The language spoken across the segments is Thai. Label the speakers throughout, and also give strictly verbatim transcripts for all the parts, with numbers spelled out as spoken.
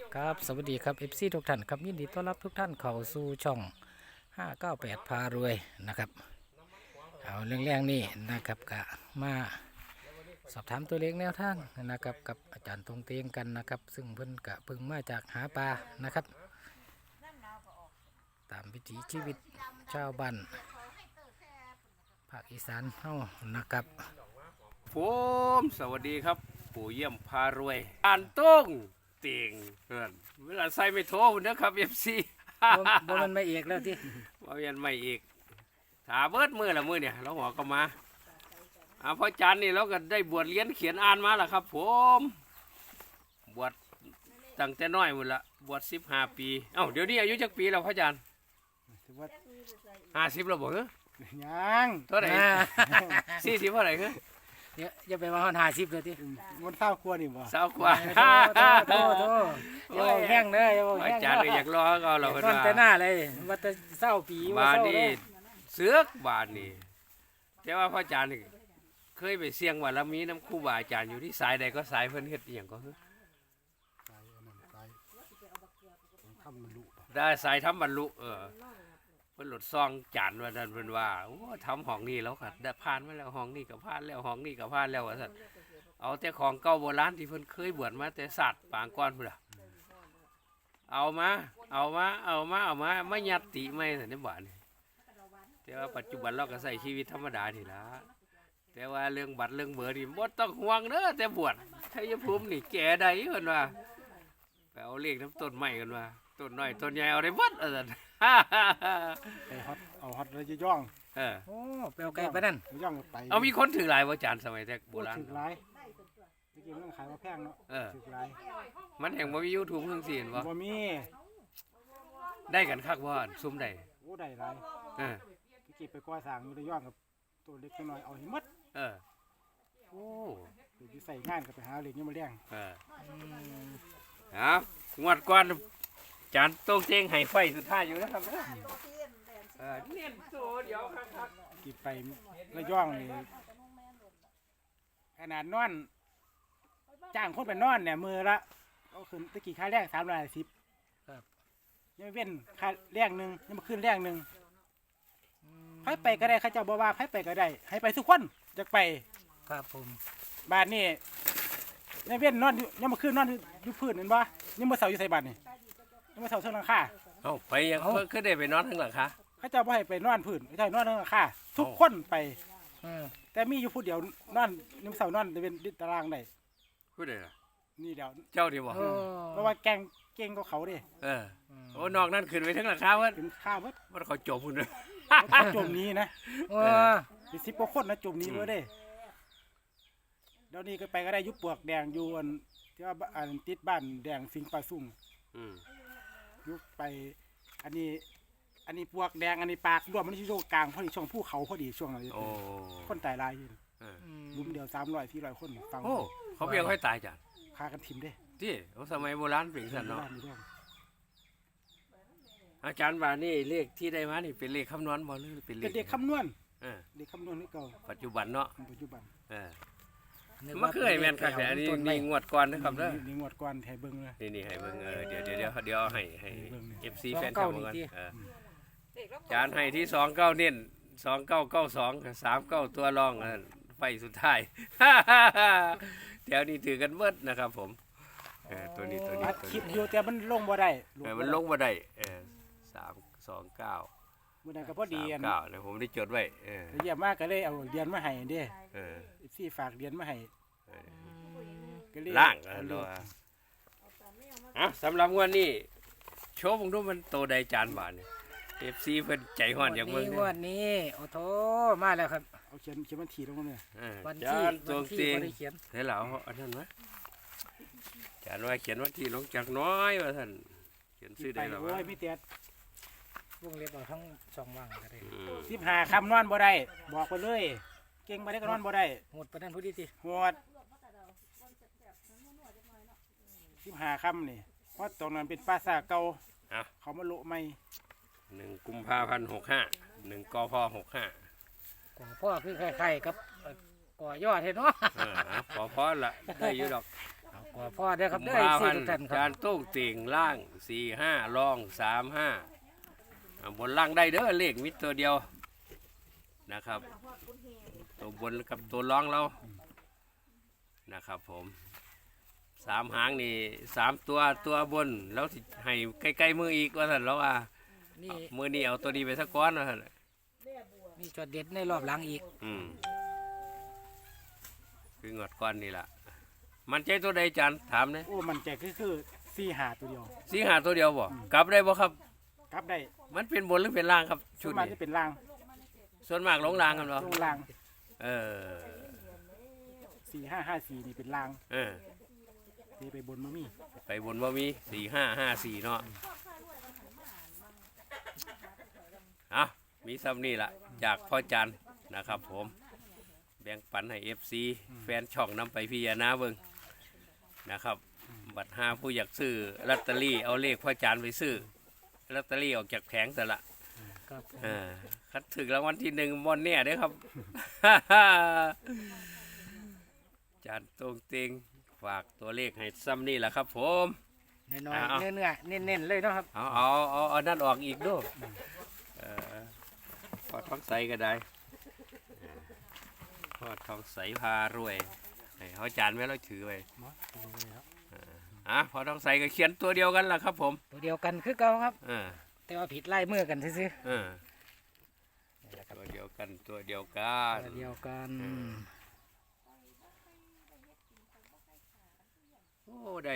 Speaker 1: ครับสวัสดีครับ เอฟ ซี ทุกท่านครับยินดีต้อนรับทุกท่านเข้าสู่ช่องห้าเก้าแปดพารวยนะครับเอาเรื่องแรงนี่นะครับกะมาสอบถามตัวเลขแนวทางนะครับกับอาจารย์ตรงเตียงกันนะครับซึ่งเพิ่นกะเพิ่งมาจากหาปลานะครับตามวิถีชีวิตชาวบ้านภาคอีสานเฮานะครับ
Speaker 2: ผมสวัสดีครับปู่เยี่ยมพารวยอ่านต้งเตียงเพื่อนเวลาใส่ไม่โทรนะครับเอฟซี
Speaker 1: บ่บ่มันไม่เอกแล้วที่
Speaker 2: มาเวียนใหม่อีกถาเบิดมือละมือเนี่ยเราหัวก็มาอาพ่อจันนี่เราก็ได้บวชเรียนเขียนอ่านมาแล้วครับผมบวชตั้งแต่น้อยหมดละบวชสิบห้าปีเอ้าเดี๋ยวนี้อายุจักปีแล้วพ่อจันห้าสิบแล้วบ่เหรอ
Speaker 3: ยัง
Speaker 2: เท่าไหร่สี่สิบเท่าไหร่เหรอ
Speaker 1: เดี๋ยวอย่าไปว่าฮอดห้าสิบเลยที่
Speaker 3: มันเศร้าครัวนี่บ่
Speaker 2: สาวกว่า
Speaker 1: โตโตอย่าเอาแห้งเด้ออย่าเอา
Speaker 2: อา
Speaker 1: แห้ง
Speaker 2: จารย์ก็อยากรอก็เราเพิ่น
Speaker 1: นอน
Speaker 2: ว่า
Speaker 1: แต่หน้าเลยว่าแต่เศร้าปีว่า
Speaker 2: บาท
Speaker 1: เศร้า
Speaker 2: นี่
Speaker 1: เลย
Speaker 2: เสือกบาทนี่แต่ว่าพ่ออาจารย์นี่เคยไปเสี่ยงว่าเรามีน้ำครูบาอาจารย์อยู่ที่สายใดก็สายเพิ่นเฮ็ดอหย่างก็คือ
Speaker 3: ตายอันนั้นตายต้องทำมันลุบ่
Speaker 2: ได้สายทำบรรลุเออเพิ่นหลดซองจานว่าท่านเพิ่นว่าโอ้ทำห้องนี้แล้วค่ะได้ผ่านมาแล้วห้องนี้ก็ผ่านแล้วห้องนี้ก็ผ่านแล้วว่าซั่นเอาแต่ของเก่าโบราณที่เพิ่นเคยบวชมาแต่ศาสตร์ปางก่อนพุ่นล่ะเอามาเอามาเอามาเอามาไม่ยัดติไม่ซั่นในบ้านนี่แต่ว่าปัจจุบันเราก็ใช้ชีวิตธรรมดานี่ล่ะแต่ว่าเรื่องบัตรเรื่องเบอร์นี่บ่ต้องห่วงเด้อแต่บวชชัยภูมินี่แก่ใดเพิ่นว่าไปเอาเลขน้ำต้นไม้กันว่าต้นน้อยต้นใหญ่เอาได้หมดว่าซั่น
Speaker 3: ไปฮอตเอาฮอตแล้วจะย่อง
Speaker 2: เออ
Speaker 1: โอ้เปลวไก่ปะนั่น
Speaker 3: ย่องไป
Speaker 2: เอามีคนถือหลายว่าจานสมัยแต่โบ
Speaker 3: โอ้
Speaker 2: ราณ
Speaker 3: ถึกหลายตะกี้มันขายมาแพงเนาะ
Speaker 2: เออ
Speaker 3: ถึกหลาย
Speaker 2: มันแห่งบ่มี YouTube เพิ่งสิเห็นบ่
Speaker 3: บ่มี
Speaker 2: ได้กันคักบ่ซุ่มได้
Speaker 3: โอ้ได้หลาย
Speaker 2: เออ
Speaker 3: ตะกี้ไปก่อสร้างอยู่ระย่องกับตัวเล็กตัวน้อยเอาให้หมด
Speaker 2: เออโอ้
Speaker 3: เดี๋ยวสิใส่งานก็ไปหาเหล็กยังมาเลี้ยง
Speaker 2: เออเอางวดก่อนจานโต้งเจงให้ไฟสุดท้ายอยู่นะครับเด้อเออเน้นโตเดี๋ยวคัก
Speaker 3: ตะกี้ไประย่องนี่ขนาดนอนจ้างคนไปนอนเนี่ยมือละเอาขึ้นตะกี้ค่าแรงสามร้อยห้าสิบยังไม่เว้นค่าแรงหนึงยังมาขึ้นแรงหนึงไผไปก็ได้เขาเจ้าบอกว่าไผไปก็ได้ ให้ไปทุกคนอยากไป
Speaker 1: ครับผม
Speaker 3: บ้านนี่ยังเว้นนอนอยู่ยังมาขึ้นนอนอยู่อยู่พื้นเห็นบ่ยังมาเสาอยู่ใส่บ้านนี่ยังมาเสาเชิงหลังคา
Speaker 2: ๆเอ้าไปยังเพิ่นคือได้ไปนอนข้างหลังคะ
Speaker 3: เขาเจ้าบ่ให้ไปนอนพื้นเขาเจ้าให้นอนเชิงหลังคาทุกคนไป
Speaker 1: เออ
Speaker 3: แต่มีอยู่ผู้เดียวนอนยังเสานอนเป็นตารางได้
Speaker 2: ผู้ใดล่ะ
Speaker 3: นี่เดียว
Speaker 2: เจ้าดีบ่
Speaker 1: โอ้
Speaker 3: เพราะว่าแกงเก่งกว่าเขาเด้
Speaker 2: เออโอ้นอกนั้นขึ้นไปทั้งหลังคาเพิ่น
Speaker 3: เป็นข้าวเบิด
Speaker 2: มันเขาจบพุ่นเด้อ
Speaker 3: เขาจมหนี้นะ
Speaker 1: โอ้
Speaker 3: เป็นสิบกว่าคนนะจมหนี้เลยเด้เดี๋ยวนี้ก็ไปก็ได้อยุบปลวกแดงอยู่อันที่ว่าอันติดบ้านแดงสิงปลาซุ่ง
Speaker 2: อืม
Speaker 3: ยุบไปอันนี้ อันนี้ปลวกแดงอันนี้ปากรวมมันที่ช่วงกลางพอดีช่วงภูเขาพอดีช่วงนั้น
Speaker 2: โอ้
Speaker 3: คนตายหลายอยู่
Speaker 2: เออ
Speaker 3: ลุมเดียวสามร้อยสี่ร้อยคนฟัง
Speaker 2: โอ้เขาเพียงค่อยตายจ้ะ
Speaker 3: พากันทิมเด้
Speaker 2: ที่เอาสมัยโบราณเป็นสันเนาะ
Speaker 3: บ้านอยู่ด้วย
Speaker 2: อาจารย์ว่านี่เลขที่ได้มานี่เป็นเลขคำนวณบ่หรือเป็นเล
Speaker 3: เป็น
Speaker 2: ข
Speaker 3: เด็กคำนวณ
Speaker 2: เออ
Speaker 3: เด็กคำนวณนี่เก่า
Speaker 2: ปัจจุบันเนาะ
Speaker 3: ปัจจุบัน
Speaker 2: เออ
Speaker 1: นึก
Speaker 2: มันคือให้แม่นคักแต่อันนี้
Speaker 1: ต้ไม้
Speaker 2: นี่งวดก่อนนะครับเด้อ
Speaker 3: นี่งวดก่อนไทยเบิ้งเลย
Speaker 2: นี่นี่ให้เบิ่งเออเดี๋ยวเดี๋ยวเดี๋ยวเดี๋ยวเอาให้ให้ เอฟ ซี แฟนคลับเบิ่งก่อนเอออาจารย์ให้ที่สองเก้าเน้นสองเก้าเก้าสองสามเก้าตัวรองอันไฟสุดท้าย แถวนี้ถือกันเบิดนะครับผมเออตัวนี้ตัวนี้
Speaker 3: อัด
Speaker 2: ตัว
Speaker 3: คลิป
Speaker 2: นี้
Speaker 3: อยู่แต่มันลงบ่ได้
Speaker 2: เออมันลงมาได้เออสามสองเก้า
Speaker 3: มื้อนั้นก็พอดีอัน
Speaker 2: สามเก้าเนี่ยผมได้จดไว้เออ
Speaker 3: เยี่ยมมากก็เลยเอาเหรียญมาให้เด้
Speaker 2: เออ
Speaker 3: ซี่ฝากเหรียญมาให้
Speaker 2: เออ
Speaker 3: ก็เลย
Speaker 2: ล่าง
Speaker 3: เอ
Speaker 2: อ่ะ
Speaker 3: เล
Speaker 2: ร
Speaker 3: ย
Speaker 2: ออ่ะสำหรับงวันนี้โชว์ผมดูมันโตใดจานบาทเนี่ยเอฟซีเพิ่นใจฮ้อนอย่างเมือง
Speaker 1: นี้
Speaker 2: เนี่
Speaker 1: งวดนี้โอ้โถมาแล้วครับ
Speaker 3: เอาเขียนเขียนวันที่ลงมาเนี่ย
Speaker 2: เออ
Speaker 1: วัน
Speaker 2: จา
Speaker 1: ที่
Speaker 2: นตัว
Speaker 1: วันที่
Speaker 2: เตียง
Speaker 1: บ่ได้เขียน
Speaker 2: เฮ้ยเหล่าอันนั้นวะจานว่าเขียนวันที่ลงจากน้อยว่าท่านเขียนชื่อ
Speaker 3: ไป
Speaker 2: ได้หรอ
Speaker 3: โอ้
Speaker 2: วะ
Speaker 3: ยมีแต่
Speaker 1: วงเล็บเอาทั้งสองว่างก็ได้
Speaker 2: อืม
Speaker 3: สิบห้าคำนอนบ่ได้บอกไปเลย เก่งบ่ได้ก็นอนบ่ได้
Speaker 1: หมดประเด็นผู้ดีสิ
Speaker 3: โหดสิบห้าคำนี่เพราะตรงนั้นเป็นปราสาทเก่า
Speaker 2: อ่ะ
Speaker 3: เขามาโละใหม่
Speaker 2: หนึ่งกุมภาพันธ์หกห้าหนึ่งกพหกห้า
Speaker 1: ก่อพ่อคือไข่ๆกับเอ่อก่อยอดเห็นเนาะ
Speaker 2: เอออ่ะขอพรละได้อยู่ดอก
Speaker 1: เอาก่อว่าพ่อเด้อครับเด้อ
Speaker 2: กุมภา
Speaker 1: สี่
Speaker 2: พัน
Speaker 1: ทุก
Speaker 2: ธ์
Speaker 1: ท่านค
Speaker 2: จา
Speaker 1: รั
Speaker 2: น
Speaker 1: บ
Speaker 2: โต้งเต่งล่างสี่ห้าล่องสามห้าบนล่างได้เด้อเลขมิตรตัวเดียวนะครับ ตัวบนกับตัวล่องเรานะครับผมสามหางนี่สามตัวตัวบนแล้วสิให้ใกล้ๆมืออีกว่าสันแล้วว่า
Speaker 1: นี่
Speaker 2: มือนี่เอาตัวดีไปสักก้อนว่าสัน
Speaker 1: มีจอดเด็ดในรอบหลังอีก
Speaker 2: อืมคืองอดก้อนนี่แหละมันใจตัวใดจันถามเนี่ย
Speaker 3: โอ้มันใจคือคือสี่หาตัวเดียว
Speaker 2: สีหาตัวเดียวบ่กลับได้บ่ครับ
Speaker 3: กลับได้
Speaker 2: มันเป็นบนหรือเป็นล่างครับ
Speaker 3: ชุ
Speaker 2: ชุ
Speaker 3: ด
Speaker 2: ด
Speaker 3: มา
Speaker 2: นี้
Speaker 3: ที่เป็นราง
Speaker 2: ส่วนมากลงล่างกันเนาะ
Speaker 3: ลงราง
Speaker 2: เออ
Speaker 3: สี่ห้าห้าสี่นี่เป็นราง
Speaker 2: เออ
Speaker 3: ที่ไปบนมามี
Speaker 2: ไปบนว่ามีสี่ห้าห้าสี่เนาะอ่ะมีซ้ำนี่ละจากพ่อจันนะครับ ผมแบ่งปันให้เอฟซีแฟนช่องนำไปพิจารณาเบิ่งนะครับ บัตรห้าผู้อยากซื้อลอตเตอรี่เอาเลขพ่อจันไปซื้อลอตเตอรี่ออกจากแผงซะละ
Speaker 1: ครับผม
Speaker 2: อ่าคัดถึงรางวัลที่หนึ่งบนเนี่ยเด้อครับ จานตรงเต็งฝากตัวเลขให้ซ้ำนี่แหละครับ ผม
Speaker 1: น้อย
Speaker 2: เอา
Speaker 1: ๆเนื้อๆเน้นๆเลยเนาะครับ
Speaker 2: เอาเอาเอาเอานั่นออกอีกด้วยเออพอดท้องใสก็ได้เออพอดท้องใสพารวยให้เขาจานไว้แล้วถือไว้
Speaker 3: เนาะดูไปเลยครับ
Speaker 2: อ่ะพอท้องใสก็เขียนตัวเดียวกันล่ะครับ ผม
Speaker 1: ตัวเดียวกันคือเก่าครับ
Speaker 2: เออ
Speaker 1: แต่ว่าผิดไล่มือกันซื่อ
Speaker 2: เออ
Speaker 1: ๆนี่แหละครับ
Speaker 2: ตัวเดียวกันตัวเดียวกัน
Speaker 1: ตัวเดียวกัน
Speaker 2: โอ้ได้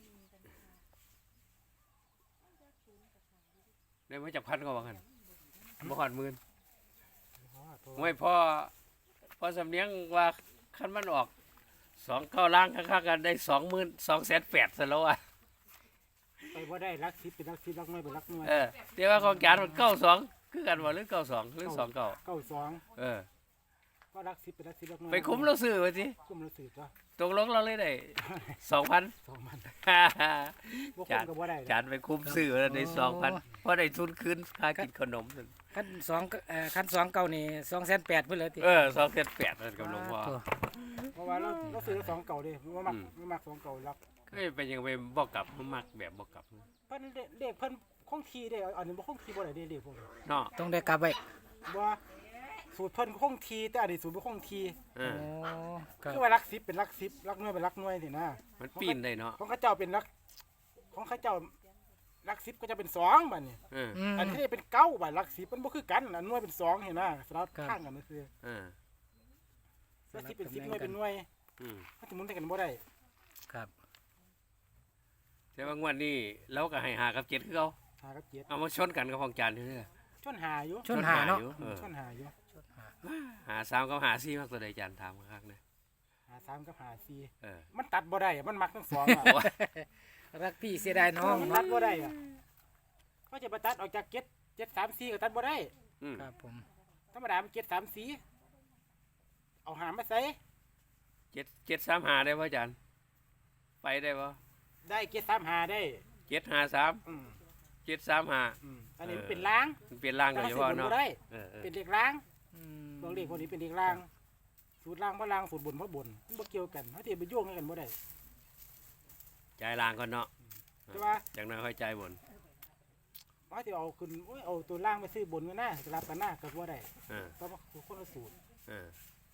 Speaker 2: ได้มาจากพันก็ว่ากันบ่หอดหมื่น
Speaker 3: อ๋อตัว
Speaker 2: ไม่พอพอสำเนียงว่าคันมันออกสองเก้าล่างค่ากันได้สองหมื่นสองแสนแปดซะแล้วอ่ะ
Speaker 3: ไปว่าได้รักสิบเป็นรักสิบรักน้อยเป็นรักน้อย
Speaker 2: เออแต่ว่าของจานมันเก้าสองคือกันว่าหรือเก้าสองหรือสองเก้า
Speaker 3: เก้าสอง
Speaker 2: เออ
Speaker 3: ก็รักสิบเป็นรักสิบรักน้อย
Speaker 2: ไปคุ้มเราซื้อไปสิ
Speaker 3: คุ้มเราสืบจ้ะ
Speaker 2: ตกลงเราเลยได้สองพัน
Speaker 3: สองมัน
Speaker 2: จา
Speaker 3: บ่คุ้มกับว่าได้
Speaker 2: จานไปคุ้มซื้อแล้วได้สองพันเพราะได้ทุนคืนค่ากินขนมนั่น
Speaker 1: ขั้นสองก็เอ่อขั้นสองเก่านี่สองแสนแปดเพื่อเลยติ
Speaker 2: เออสองแสนแปดนั่นกับหลวงพ่อ
Speaker 1: ตัว
Speaker 3: เพราะว่าเราเราซื้อสองเก่าดิว่ามักไม่มักสองเก่ารัก
Speaker 2: ก็เป็นยังไงบอกกลับมันมักแบบบอกกลับ
Speaker 3: เพิ่นเด็กเด็กเพิ่นคงทีเด้อันนี้บ่คงทีบ่ได้เด้เด็กพวกนี้
Speaker 2: เนาะ
Speaker 1: ต้องได้กลับไป
Speaker 3: บ่สูตรเพิ่นคงทีแต่อันนี้สูตรบ่คงที
Speaker 2: เอ
Speaker 1: โอ้
Speaker 2: อ
Speaker 1: ครับ
Speaker 3: คือว่ารักสิบเป็นรักสิบรักน้อยเป็นรักน้อยสินะ
Speaker 2: มันปีนได้เนาะ
Speaker 3: ของข้าเจ้าเป็นรักของข้าเจ้ารักสิบก็จะเป็นสองบัดนี้
Speaker 2: เออ
Speaker 1: อืม
Speaker 3: อันนี้เป็นเก้าบัดรักสิบมันบ่คือกันอันน้อยเป็นสองเห็นนะสลับ
Speaker 1: ครับ
Speaker 3: ข้างกันก็คือ
Speaker 2: เออ
Speaker 3: รักสิบเป็นสิบน้อยเป็นหน่วย
Speaker 2: อืม
Speaker 3: มันสิหมุนใส่กันบ่ได้
Speaker 1: ครับ
Speaker 2: แต่ว่างวดนี้เราก็ให้หากับเจ็ดคือเขา
Speaker 3: หากับเจ็ด
Speaker 2: เอามาชนกันกับของจานนี่แหละ
Speaker 3: ชนหาอยู่
Speaker 1: ชนหาเนาะ
Speaker 2: อยู่เออ
Speaker 3: ชนหาอยู่
Speaker 2: หาสามกับหาสี่มากตัวใดจานถามข้างๆนะ
Speaker 3: หาสามกับหาสี่
Speaker 2: เออ
Speaker 3: มันตัดบ่ได้อะมันมักทั้งสองอะ
Speaker 1: รักพี่เสียดายน้อง
Speaker 3: มันตั
Speaker 1: เนาะ
Speaker 3: ดบ่ได้อะเขาจะมาตัดออกจากเจ็ดเจ็ดสามสี่ก็ตัดบ่ได้
Speaker 2: อืม
Speaker 1: ครับผม
Speaker 3: ธรรมดามันเจ็ดสามสี่เอาหามมาใส่
Speaker 2: เจ็ดเจ็ดสามหาได้ป่ะจานไปได้ป่ะ
Speaker 3: ได้เจ็ดสามหาได้
Speaker 2: เจ็ดหาสาม
Speaker 3: อืม
Speaker 2: เจ็ดสามหา
Speaker 3: อืมอันนี้มันเป็นล้าง
Speaker 2: มันเปลี่ยนร่างโด
Speaker 3: แต่
Speaker 2: ย
Speaker 3: ถ้า
Speaker 2: เฉ พาะเนาะ
Speaker 3: สูตรบนบ่ได้
Speaker 2: เออเออ
Speaker 3: เป็นเด็กล้าง
Speaker 1: อืม
Speaker 3: ตัวเลขพวกนี้เป็นเด็กล้าง สูตรล้างบ่ล้างสูตรบนบ่บนมันบ่เกี่ยวกันเขาสิไปโยงกันบ่ได้
Speaker 2: ใจายร่างก่อนเนาะ
Speaker 3: แต่ว่า
Speaker 2: จากนั้นค่อยใจายบน
Speaker 3: เขาสิเอาขึ้นโอ้ยเอาตัวล่างไปซื้อบนกันนะสลับกันนะก็บ่ได้
Speaker 2: เออ
Speaker 3: เพราะว่าคนละสูตร
Speaker 2: เออ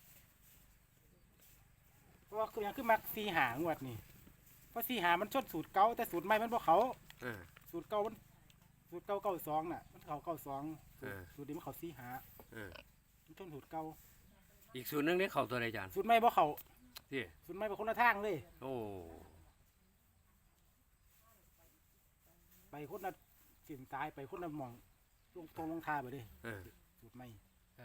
Speaker 3: เพราะว่าคือหยังคือมักสี่หางวดนี่เพราะสี่หามันชนสูตรเก่าแต่สูตรใหม่มันบ่เขา
Speaker 2: เออ
Speaker 3: สูตรเก่ามันสูตรเก่าเก้าสองน่ะมันเขาเก้าสอง
Speaker 2: เออ
Speaker 3: สูตรนี้มันเขาสี่หา
Speaker 2: เออ
Speaker 3: มันชนสูตรเก่า
Speaker 2: อีกส่วนหนึงนี่เขาตัวใดจาน
Speaker 3: สูตรใหม่บ่เขา
Speaker 2: ที่
Speaker 3: สูตรใหม่เป็นคนละทางเลย
Speaker 2: โอ้
Speaker 3: ไปคนละสินตายไปคนละหมองลงตรงลงทาไปเลย
Speaker 2: เออ
Speaker 3: สูตรใหม่
Speaker 1: ครับ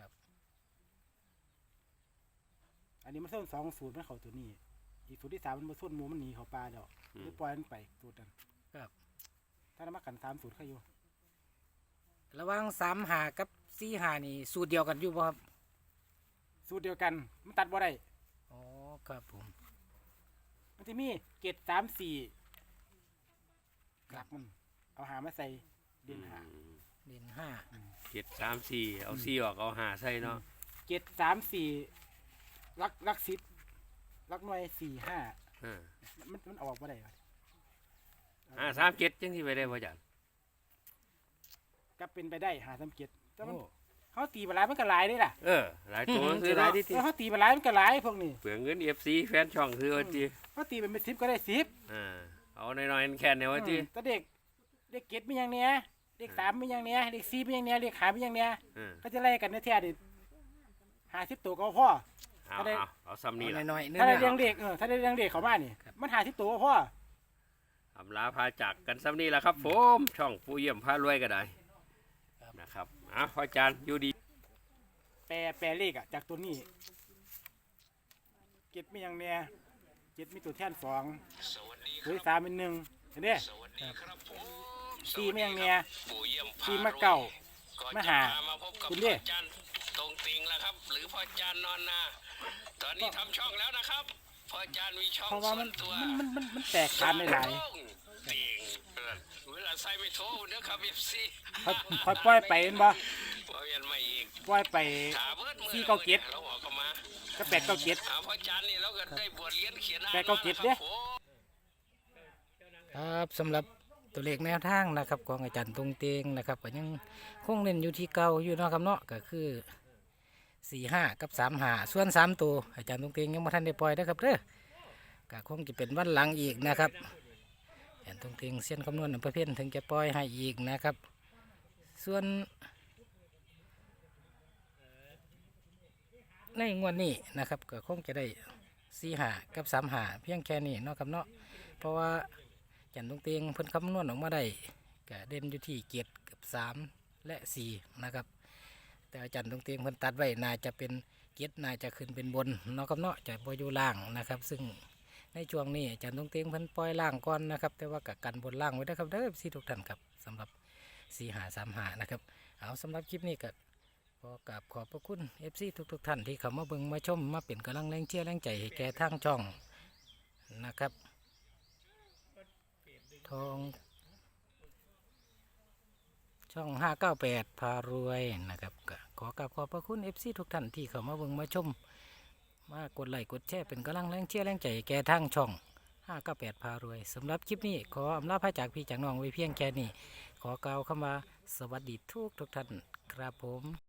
Speaker 3: อันนี้มันส้นสองสูตรมันเขาตัวนี้ อีกสูตรที่สามมันมาส้นหมูมันหนีเขาปลาแล้ว
Speaker 2: อื
Speaker 3: หรื
Speaker 2: ม
Speaker 3: อปล่อยมันไปสูตรนั้น
Speaker 1: ครับ
Speaker 3: ถ้าเรามากันสามสูตรใครอยู่
Speaker 1: ระหว่างสามหากับสี่หานี่สูตรเดียวกันอยู่ป่ะครับ
Speaker 3: สูตรเดียวกันมันตัดบ่ได้
Speaker 1: อ๋อครับผม
Speaker 3: มันจะมีเกตสามสี่หลักมันเอาหามาใส่เด่นหา
Speaker 2: อืม
Speaker 1: เด่นห้า
Speaker 2: เจ็ดสามสี่เอาสี่ออกเอาหาใส่เนาะ
Speaker 3: เกตสามสี่ลักลักสิบลักหน่วยสี่ห้า
Speaker 2: เออ
Speaker 3: มันมันมันออกบ่ได้วะ
Speaker 2: ห้าสามเจ็ดจังที่ไปได้พ่อจัน
Speaker 3: ก็เป็นไปได้หาสามเจ็ดแต่มันเขาตีไปหลายมันก็หลายเด้ล่ะ
Speaker 2: เออหลายตัวซื้อหลายที่
Speaker 3: เออเขาตีไปหลายมันก็หลายพวกนี้
Speaker 2: เปลืองเงินเอฟซีแฟนช่องซื้อว่าจี
Speaker 3: เขาตีเป็นสิบก็ได้สิบ
Speaker 2: อ่าเอาหน่อยๆแค่เนี่ยว่าจี
Speaker 3: แต่เด็กเด็กเก็ดมีอย่างเนี้ยเด็กสามมีอย่างเนี้ยเด็กสี่มีอย่างเนี้ยเด็กขามีอย่างเนี้ย
Speaker 2: อืม
Speaker 3: ก็จะไล่กันในแท้ดิหาสิบตัวก็พ่อ
Speaker 2: เอา
Speaker 3: ก็ได้
Speaker 2: เอาเอาซ้ำนี่
Speaker 1: เอา
Speaker 2: ละ
Speaker 1: หน่อยๆเนื้
Speaker 3: ถ้าได้
Speaker 1: อ
Speaker 3: เลี้ยงเด็กเออถ้าได้เลี้ยงเด็กเขามานี่มันหาสิบตัวก็พ่อ
Speaker 2: อำลาพาจากกันซ้ำนี่ละครับผมช่องผู้เยี่ยมพารวยก็ได้นะครับอ่ะพ่อจันอยู่ดี
Speaker 3: แปลแปลเลขอ่ะจากตัวนี้เก็ดมีอย่างเนี้ยเก็ดมีตัวแท่นสองตัวที่สามเป็นหนึ่งเห็นเด้สี่มีอย่างเนี้ยสี่มาเก่ามาหาคุณเด้
Speaker 2: จันตรงติงแล้วครับ หรือพ่อจันนอนนาตอนนี้ทำช่องแล้วนะครับพ่อจันมีช่อง
Speaker 3: เพราะว่า
Speaker 2: ส่ว
Speaker 3: มัน
Speaker 2: นตัว
Speaker 3: มันมันมันมันแตกกันหลาย
Speaker 2: ติงเวลาใส่ไม่โทรเด้อครับเอฟซี
Speaker 3: ๆค่อยค่อยปล่อยไปเห็นบ่
Speaker 2: พอเวียนมาอีก
Speaker 3: ปล่อยไป
Speaker 2: ขาเบิดมือ
Speaker 3: สี่เก้าเจ็ด
Speaker 2: เราออกกันมา
Speaker 3: ก็แปดเก้าเจ็ด
Speaker 2: หาพ่อจันนี่เราก็ได้บวชเรียนเขียนอ่าน
Speaker 3: แปดเก้าเจ็ดเด้
Speaker 2: ครับผม
Speaker 1: ครับสำหรับตัวเลขแนวทางนะครับของอาจารย์ตรงเตงนะครับก็ยังคงเน้นอยู่ที่เก่าอยู่เนาะครับเนาะก็คือสี่ห้ากับสามห้าส่วนสามตัวอาจารย์ตรงเตงยังไม่ทันได้ปล่อยนะครับเด้อก็คงจะเป็นวันหลังอีกนะครับอาจารย์ตรงเตงเส้นคำนวณอำเภอเพี้ยนถึงจะปล่อยให้อีกนะครับ ส่วนในงวดนี้นะครับก็คงจะได้สี่หากับสามหาเพียงแค่นี้เนาะครับเนาะเพราะว่าจันทร์ตรงเตียงเพิ่นคำนวณออกมาได้ก็เด่นอยู่ที่เกียรติกับสามและสี่นะครับแต่อาจารย์ตรงเตียงเพิ่นตัดไว้น่าจะเป็นเกียรติน่าจะขึ้นเป็นบนเนาะครับเนาะจะบ่อยู่ล่างนะครับ ซึ่งในช่วงนี้อาจารย์ตรงเตียงเพิ่นปล่อยล่างก่อนนะครับ แต่ว่ากับกันบนล่างไว้นะครับเด้อสี่ทุกท่านครับสำหรับสี่หาสามหานะครับเอาสำหรับคลิปนี้ก็ ขอกราบขอบพระคุณ เอฟ ซี ทุกทุกๆท่านที่เข้ามาเบิ่งมาชมมาเป็นกำลังแรงเชียร์แรงใจให้แก่ทางช่องนะครับทองช่องห้าเก้าแปดพารวยนะครับก็ขอกราบขอบพระคุณ เอฟ ซี ทุกท่านที่เข้ามาเบิ่งมาชมมากดไลค์กดแชร์เป็นกำลังแรงเชียร์แรงใจให้แก่ทางช่องห้าเก้าแปดพารวยสำหรับคลิปนี้ขออำลาพระจากพี่จากน้องไว้เพียงแค่นี้ขอกล่าวคำว่าสวัสดีทุกทุกๆท่านครับผม